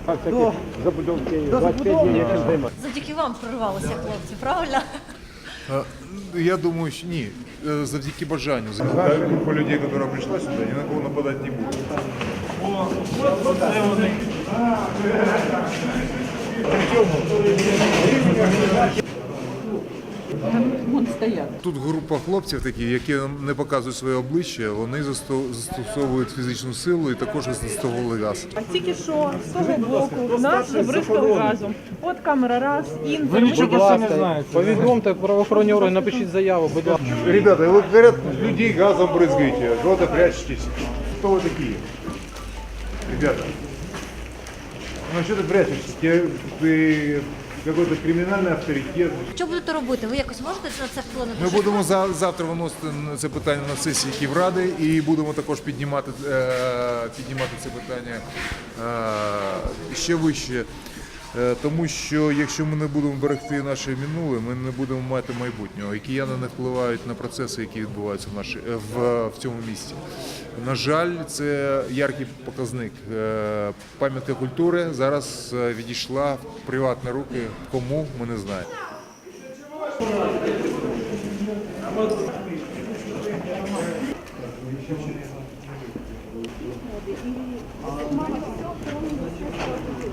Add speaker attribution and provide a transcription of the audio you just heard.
Speaker 1: до забудовки 25 днів чим займатися.
Speaker 2: Завдяки вам прорвалися хлопці, правильно?
Speaker 3: Я думаю, что ні. Завдяки бажанню. Группа людей, которая пришла сюда, ни на кого нападать не будет. Тут група хлопців такі, які не показують своє обличчя, вони застосовують фізичну силу і також застосовували газ.
Speaker 4: А тільки що з того боку нас забризкали газом. От камера раз, інтер.
Speaker 1: Будь ласка, повідомте правоохоронні органи, напишіть заяву, будь ласка.
Speaker 3: Ребята, вот говорят, людей газом брызгаете, куда-то прячетесь. Кто вы такие? Ребята, ну что ты прячешься? Ты какой-то криминальный авторитет.
Speaker 2: Що будете робити? Ви якось можете на це вплинути?
Speaker 3: Ми будемо завтра виносити це питання на сесії Київради і будемо також піднімати це питання ще вище. Тому що якщо ми не будемо берегти наше минуле, ми не будемо мати майбутнього. І кияни не впливають на процеси, які відбуваються в цьому місті. На жаль, це яркий показник. Пам'ятка культури зараз відійшла в приватні руки. Кому, ми не знаємо.